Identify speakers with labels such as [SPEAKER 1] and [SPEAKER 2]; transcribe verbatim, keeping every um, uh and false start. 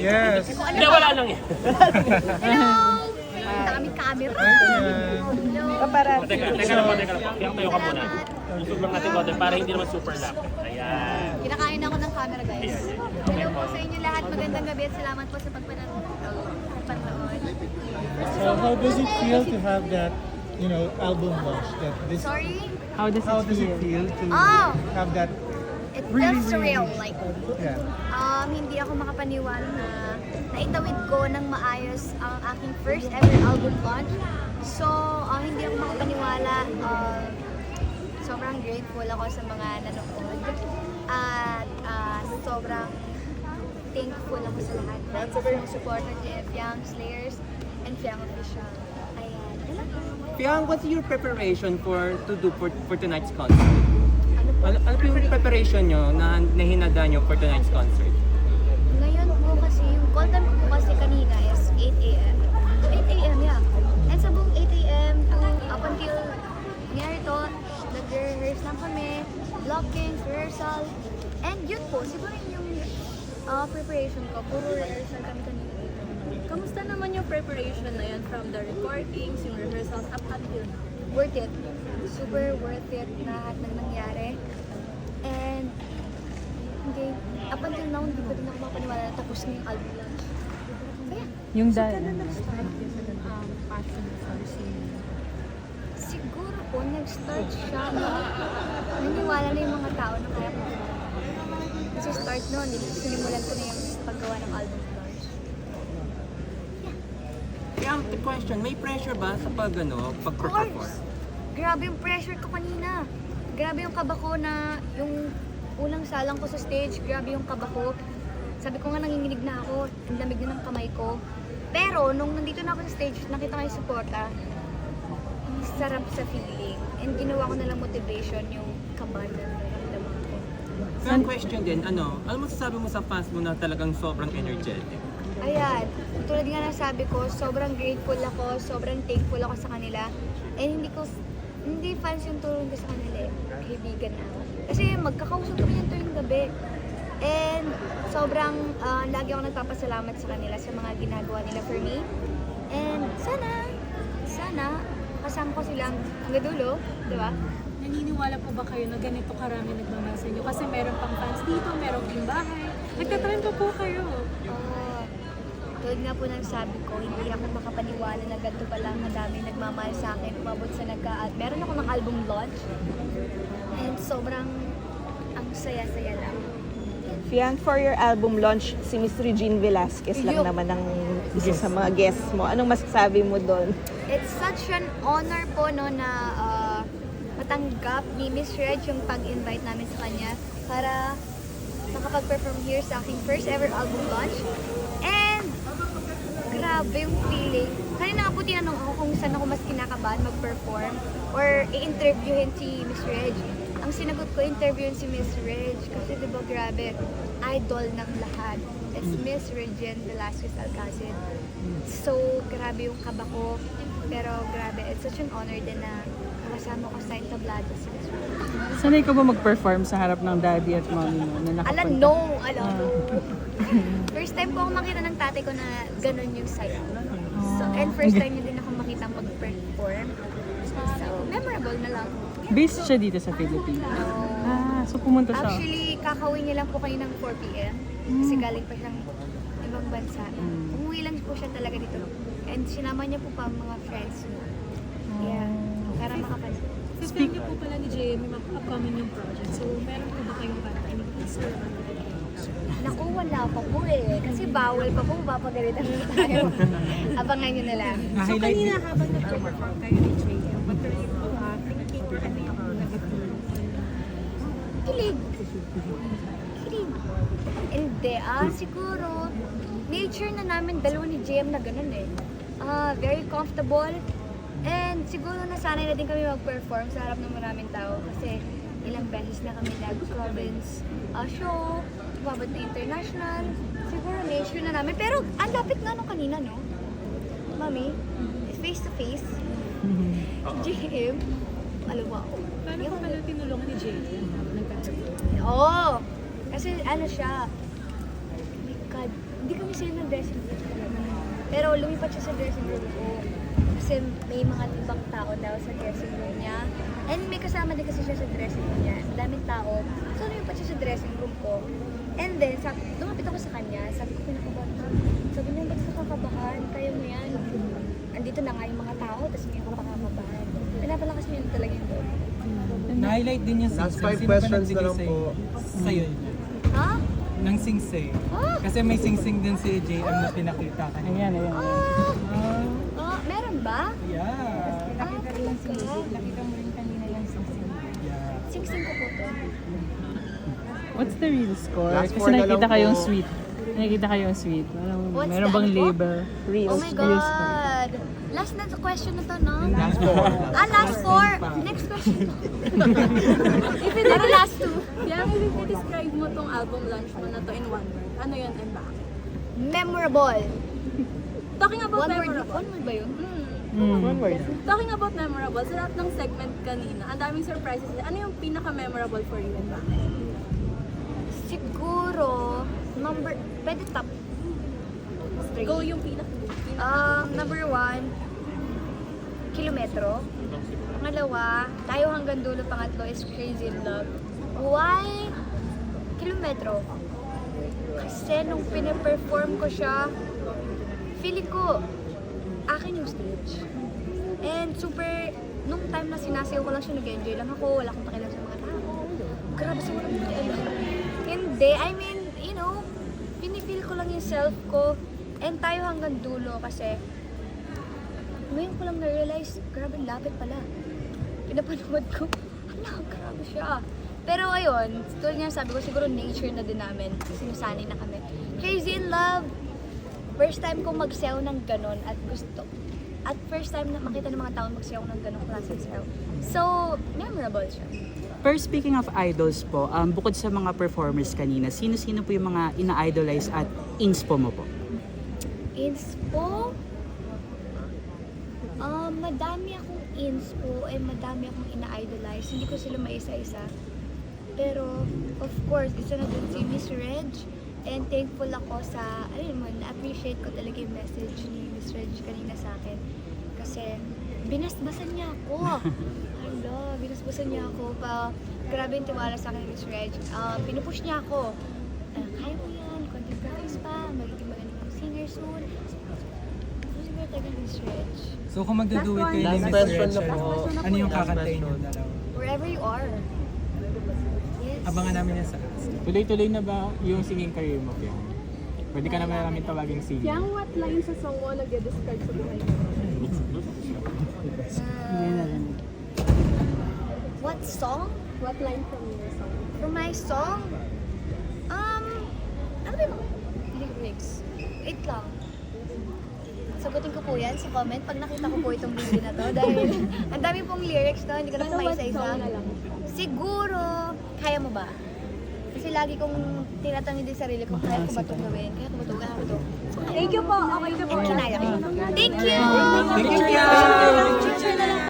[SPEAKER 1] Yes.
[SPEAKER 2] Hindi, wala lang yan.
[SPEAKER 3] Hello! Ang daming camera. Hello.
[SPEAKER 4] Paparazzi.
[SPEAKER 2] Teka, teka lang po, teka lang po. Kaya tayo ka muna. Isog lang natin water para hindi naman super lapit. Ayan.
[SPEAKER 3] Kinakain ako ng camera, guys. Hello po sa inyo lahat. Magandang gabi at salamat po sa pagpanood. Panood.
[SPEAKER 1] So how does it feel to have that, you know, album launch? That this.
[SPEAKER 3] Sorry?
[SPEAKER 4] How does
[SPEAKER 1] How
[SPEAKER 4] it
[SPEAKER 1] does it
[SPEAKER 4] feel?
[SPEAKER 1] feel to
[SPEAKER 3] Oh.
[SPEAKER 1] have that?
[SPEAKER 3] It
[SPEAKER 1] Really,
[SPEAKER 3] feels surreal.
[SPEAKER 1] really-
[SPEAKER 3] Like,
[SPEAKER 1] Yeah.
[SPEAKER 3] um, hindi ako makapaniwala na naitawid ko ng maayos ang aking first ever album launch. So, uh, hindi ako makapaniwala. Uh, sobrang grateful ako sa mga nanonood. At uh, sobrang thankful ako sa lahat sa mga supporter ni Fiang Slayers and Fiang Official. Ayan. Yun lang.
[SPEAKER 5] Fiang, what's your preparation for to do for, for tonight's concert?
[SPEAKER 3] Ano po?
[SPEAKER 5] Ano, ano po yung preparation nyo na nahinada nyo for tonight's concert?
[SPEAKER 3] Ngayon po kasi, yung call time ko po kasi kanina is eight a m eight a m, yeah. And sa buong eight a m to up until nangyari to, nag-rehearse lang kami, blockings, rehearsal. And yun po, siguro yung uh, preparation ko, puro rehearsal kami kanina.
[SPEAKER 6] Kamusta naman yung preparation na yun from the recordings, yung rehearsals up until now?
[SPEAKER 3] Worth it. Super worth it lahat ng nangyari. And hindi, up until now, hindi ko din ako makapaniwala na tapos na yung album launch. Kaya,
[SPEAKER 4] Yung dahil.
[SPEAKER 6] Um, passion for singing.
[SPEAKER 3] siguro po, nag-start siya, no? Naniwala na yung mga tao na kaya ko. Kasi start noon, sinimulan ko na yung paggawa ng album launch.
[SPEAKER 5] Fiang, the question, may pressure ba sa pag, ano,
[SPEAKER 3] Of
[SPEAKER 5] pag-perform?
[SPEAKER 3] course! Grabe yung pressure ko kanina. Grabe yung kaba ko na yung unang salang ko sa stage, grabe yung kaba ko. Sabi ko nga nanginginig na ako, ang lamig na ng kamay ko. Pero nung nandito na ako sa stage, nakita ko yung suporta, ang sarap sa feeling. And ginawa ko na lang motivation yung kaba na nararamdaman ko.
[SPEAKER 5] Fiang, question din, ano, ano masasabi mo sa fans mo na talagang sobrang energetic?
[SPEAKER 3] Ayan, tulad nga ng sabi ko, sobrang grateful ako, sobrang thankful ako sa kanila. And hindi ko, hindi fans yung tulong ko sa kanila eh, kaibigan na ako. Kasi magkakausap kami yan tuwing gabi. And sobrang, ah, lagi ako nagpapasalamat sa kanila sa mga ginagawa nila for me. And sana, sana, kasama ko silang hanggang dulo, di ba?
[SPEAKER 6] Naniniwala po ba kayo na ganito karami nagmamahal sa inyo? Kasi meron pang fans dito, meron ding bahay. Nagtatrend pa po kayo.
[SPEAKER 3] Ah, tulad nga po ng sabi ko, hindi ako makapaniwala na ganito pa lang madami nagmamahal sa akin, umabot sa nagka at meron ako ng album launch. And sobrang ang saya-saya lang.
[SPEAKER 4] Fiang, for your album launch, si Miss Regine Velasquez lang
[SPEAKER 3] Yup.
[SPEAKER 4] naman ang isa sa mga guests mo. Anong masasabi mo doon?
[SPEAKER 3] It's such an honor po no na ah, matanggap ni Miss Reg yung pag-invite namin sa kanya para makapag-perform here sa aking first ever album launch. And grabe yung feeling. Kanina nga po tinanong ako kung saan ako mas kinakabahan mag-perform or i-interviewin si Miss Reg. Ang sinagot ko, interviewin si Miss Reg kasi diba grabe, idol ng lahat. It's Miss Regine Velasquez Alcacid. So, grabe yung kaba ko. Pero grabe, it's such an honor din na makasama ko sa entablado si Miss Reg.
[SPEAKER 4] Sanay ka ba mag-perform sa harap ng daddy at mommy mo? Na
[SPEAKER 3] Alam, no! Alam, no! First time ko ako makita ng tatay ko na ganun yung saya. So, and first time niya din ako makita mag-perform. So, memorable na lang.
[SPEAKER 4] Based siya dito sa Philippines. Ah, so pumunta siya.
[SPEAKER 3] Actually, kakauwi niya lang po kayo ng four p m Kasi galing pa siyang ibang bansa. Umuwi lang po siya talaga dito. And sinama niya po pa ang mga friends niya. Yeah. Para makapansin.
[SPEAKER 6] Speak niyo po pala ni J M, may upcoming yung project. So, meron po ba kayong para any teaser?
[SPEAKER 3] Naku, wala pa po eh. Kasi bawal pa po, mapapagalitan na tayo. Abangan niyo na lang.
[SPEAKER 6] So, kanina habang nag-perform kayo ni J M, what were you uh, thinking or ano yung nag-feel?
[SPEAKER 3] Kilig. Kilig. Hindi, ah, siguro, nature na namin dalawa ni J M na ganun eh. Ah, very comfortable. And siguro nasanay na din kami mag-perform sa harap ng maraming tao kasi ilang beses na kami nag-province uh, show, umabot na international. Siguro nature na namin. Pero ang lapit na nung kanina, no? Mami, face to face. J M, alam mo ako.
[SPEAKER 6] Paano po pala tinulungan ni J M? Nagka-
[SPEAKER 3] Oo. Kasi ano siya, oh my God, hindi kami sila ng dressing room. Pero lumipat siya sa dressing room ko. Kasi may mga ibang tao daw sa dressing room niya. And may kasama din kasi siya sa dressing room niya. Ang daming tao. So lumipat siya sa dressing room ko. And then, sabi, lumapit ako sa kanya. Sabi ko, pinakabahan ko. Sabi niya, ba't ka kakabahan? Kaya mo yan. Andito na nga yung mga tao, tapos may ako pakakabahan. Pinapalakas mo yun talaga yung loob.
[SPEAKER 7] Na-highlight din yung
[SPEAKER 8] Last
[SPEAKER 7] sing-sing.
[SPEAKER 8] five
[SPEAKER 7] Sino ba
[SPEAKER 8] questions na
[SPEAKER 7] nagbigay
[SPEAKER 8] lang
[SPEAKER 7] sa'yo?
[SPEAKER 8] po.
[SPEAKER 7] Sa'yo.
[SPEAKER 3] Ha?
[SPEAKER 7] Ng sing-sing.
[SPEAKER 3] Ah!
[SPEAKER 7] Kasi may sing-sing din si J M na pinakita kanina.
[SPEAKER 1] Ayan, ayan.
[SPEAKER 3] Ah! Ah, meron ba?
[SPEAKER 7] Yeah.
[SPEAKER 3] Ah, talaga?
[SPEAKER 4] Nakita mo rin kanina yung sing-sing.
[SPEAKER 7] Yeah.
[SPEAKER 3] Sing-sing ko po to.
[SPEAKER 1] What's the real score?
[SPEAKER 8] Last
[SPEAKER 1] Kasi
[SPEAKER 8] four na
[SPEAKER 1] nakikita
[SPEAKER 8] lang
[SPEAKER 1] kayong
[SPEAKER 8] po.
[SPEAKER 1] sweet. Nakikita kayong sweet. Meron,
[SPEAKER 3] What's
[SPEAKER 1] meron
[SPEAKER 3] the
[SPEAKER 1] bang
[SPEAKER 3] ano po?
[SPEAKER 1] label? Real,
[SPEAKER 3] Oh my
[SPEAKER 1] real score.
[SPEAKER 3] God! Last na to question na to, no?
[SPEAKER 8] Last four.
[SPEAKER 3] Ah, last four! Next question.
[SPEAKER 6] If you did last two, yeah, if you describe mo tong album launch mo na to in one word, ano yun and bakit?
[SPEAKER 3] Memorable.
[SPEAKER 6] Talking about
[SPEAKER 3] One word,
[SPEAKER 6] memorable.
[SPEAKER 3] one word ba yun?
[SPEAKER 6] Hmm.
[SPEAKER 8] One word.
[SPEAKER 6] Talking about memorable, sa lahat ng segment kanina, ang daming surprises. Ano yung pinaka-memorable for you and bakit?
[SPEAKER 3] Siguro, number, pwede top three.
[SPEAKER 6] Go yung pinaka
[SPEAKER 3] Um, number one, kilometro. Pangalawa, tayo hanggang dulo. Pangatlo is Crazy in Love. Why kilometro? Kasi nung pinaperform ko siya, feeling ko, akin yung stage. And super, nung time na sinasayaw ko lang siya, nag-enjoy lang ako, wala akong pakialam sa mga tao. Grabe siguro yung pakialam. Hindi, I mean, you know, pinipil ko lang yung self ko. And tayo hanggang dulo kasi ngayon ko lang na-realize, grabe, lapit pala. Pinapanood ko, ala, grabe siya. Pero ayun, tulad nga sabi ko, siguro nature na din namin. Sinusanay na kami. Crazy in Love, first time kong magsayaw ng ganon at gusto. At first time na makita ng mga tao magsayaw ng ganong klaseng sayaw. So, memorable siya.
[SPEAKER 9] Pero speaking of idols po, um, bukod sa mga performers kanina, sino-sino po yung mga ina-idolize at inspo mo po?
[SPEAKER 3] Inspo? Um, madami akong inspo and madami akong ina-idolize. Hindi ko sila maisa-isa. Pero, of course, isa na dun si Miss Reg. And thankful ako sa, ayun mo, na-appreciate ko talaga yung message ni Miss Reg kanina sa akin. Kasi, binasbasan niya ako. Hala, binasbasan niya ako. Pa, grabe yung tiwala sa akin ni Miss Reg. Uh, pinupush niya ako. Uh, kaya mo yan, content practice pa, magiging magaling kang singer soon. Siguro talaga ni Miss Reg.
[SPEAKER 7] So kung magdo-do it kayo ni
[SPEAKER 8] Last
[SPEAKER 7] Miss
[SPEAKER 8] question
[SPEAKER 7] Rachel,
[SPEAKER 8] na po.
[SPEAKER 7] ano yung
[SPEAKER 8] Last
[SPEAKER 7] kakantayin niyo
[SPEAKER 8] question.
[SPEAKER 7] dalawa?
[SPEAKER 3] Wherever you are. Yes.
[SPEAKER 7] Abangan namin yan sa cast.
[SPEAKER 2] Tuloy-tuloy na ba yung singing career mo, Piang? Pwede ka naman namin tawaging singer.
[SPEAKER 6] Yang what line sa song mo nag-describe sa buhay mo?
[SPEAKER 3] Uh, what song?
[SPEAKER 6] What line from your song?
[SPEAKER 3] For my song? Um, ano ba yung mga lyrics? Wait lang. Sagutin ko po yan sa comment pag nakita ko po itong video na to. Dahil ang dami pong lyrics to, hindi ko na po
[SPEAKER 6] Pero what
[SPEAKER 3] maisa-isa.
[SPEAKER 6] song na lang?
[SPEAKER 3] Siguro, kaya mo ba? Kasi lagi kong tinatanong din sarili ko, kaya ko ba itong gawin? Kaya ko ba ito? Kaya ko ba ito?
[SPEAKER 6] Thank you po. Okay na po.
[SPEAKER 3] And kinaya ko. Thank you!
[SPEAKER 7] Thank you, Piang!